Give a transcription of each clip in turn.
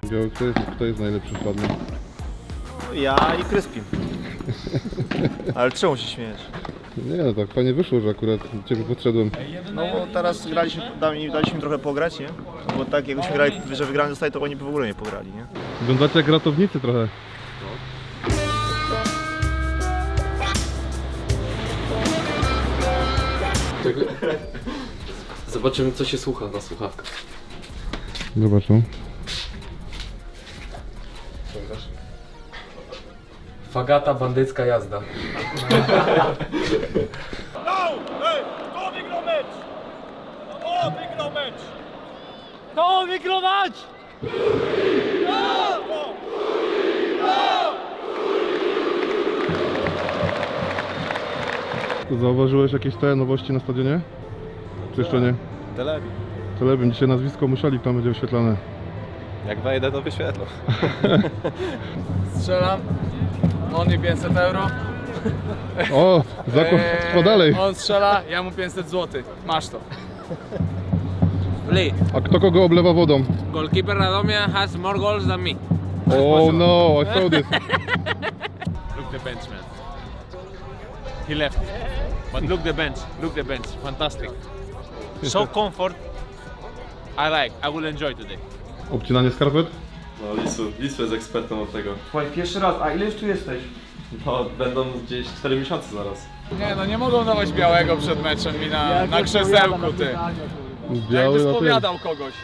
Biały, kto jest najlepszy wpadny? Ja i Kryspin. Ale czemu się śmiejesz? Nie no, tak fajnie wyszło, że akurat ciebie podszedłem. No bo teraz graliśmy, daliśmy trochę pograć, nie? Bo tak jakbyśmy grali, że wygrany zostali, to oni by w ogóle nie pograli, nie? Wyglądacie jak ratownicy trochę. Zobaczymy, co się słucha na słuchawkach. Zobaczą. Fagata, bandycka jazda. Kto wygrał mecz? Kto wygrał mecz? Kto wygrał mecz? Zauważyłeś jakieś te nowości na stadionie? Czy jeszcze nie? Telebi. Telebim, dzisiaj nazwisko Musialik tam będzie wyświetlane. Jak wejdę, to wyświetlę. Strzelam. On mi 500 euro. O, zakład trwa dalej. On strzela, ja mu 500 zł. Masz to. Lee, A kto kogo oblewa wodą? goalkeeper Radomia has more goals than me. Oh no, I saw this. Look the bench, man. He left. But look the bench. Look the bench. Fantastic. So comfort. I will enjoy today. Obcinanie skarpet? No Lisu jest ekspertem od tego. Twój pierwszy raz, a ile już tu jesteś? No będą gdzieś 4 miesiące zaraz. Nie no, nie mogą dawać białego przed meczem mi na krzesełku, ty. Jakby Biały na tym. spowiadał kogoś.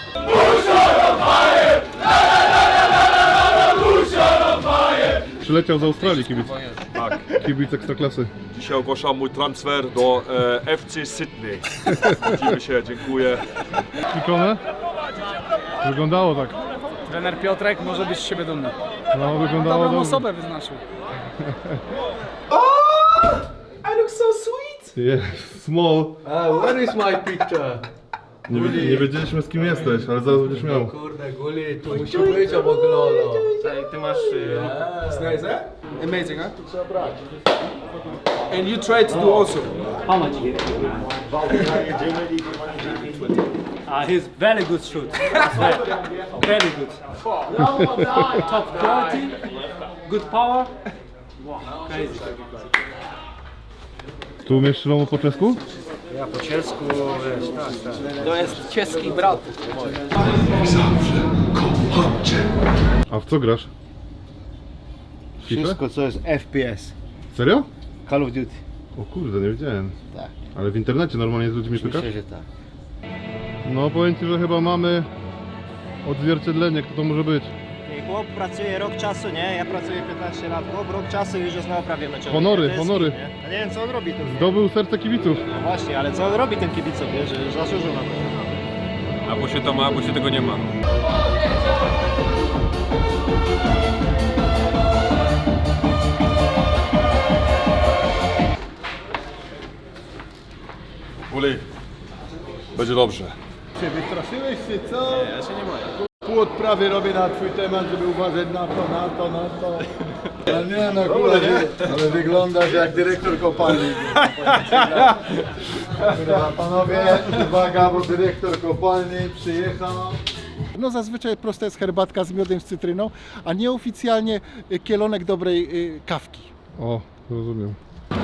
Przyleciał z Australii kibic. Tak. Kibic ekstraklasy. Dzisiaj ogłaszam mój transfer do FC Sydney. Widzimy się, dziękuję. Klikone? Wyglądało tak. Trener Piotrek może być z siebie dumny. No, wyglądało Dobrą dobrze. osobę wyznaczył. I look so sweet! Yes, small. Where is my picture? Nie wiedzieliśmy z kim jesteś, ale zaraz będziesz miał. Kurde, Guli, tu musi być obok Lolo. Ty masz... It's nice, eh? Amazing, huh? And you try to do also. How much you get? He's very good shoot. Very good. Top quality, good power. Wow, crazy. Tu umiesz Szlomo po czesku? Ja po cielsku, wiesz, tak. To jest czeski brat. A w co grasz? FIFA? Wszystko co jest FPS. Serio? Call of Duty. O kurde, nie wiedziałem. Tak. Ale w internecie normalnie z ludźmi pykasz? Myślę, że tak. No powiem ci, że chyba mamy odzwierciedlenie, kto to może być. Chłop pracuje rok czasu, nie? Ja pracuję 15 lat. Chłop rok czasu już jest na oprawie meczowej. Honory, To jest honory. hit, nie? Ja nie wiem co on robi tu. Zdobył serce kibiców. No właśnie, ale co on robi ten kibicom, wie, że zasłużył na to. Albo się to ma, albo się tego nie ma. Uli, będzie dobrze. Wystraszyłeś się, co? Nie, ja się nie boję. Pół odprawy robię na twój temat, żeby uważać na to. Ale nie no, ale wyglądasz jak dyrektor kopalni. Kurwa, panowie, uwaga, bo dyrektor kopalni przyjechał. No zazwyczaj prosta jest herbatka z miodem, z cytryną, a nieoficjalnie kielonek dobrej kawki. O, rozumiem.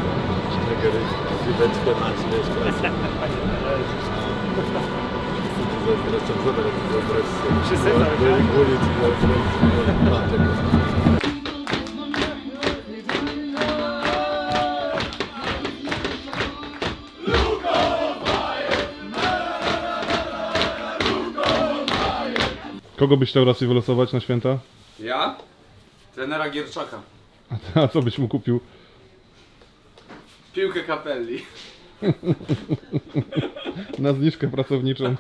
Kogo byś chciał raz wylosować na święta? Ja? Trenera Gierczaka. A co byś mu kupił? Piłkę Kapelli. Na zniżkę pracowniczą.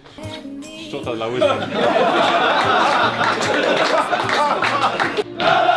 Szczota dla łyżki.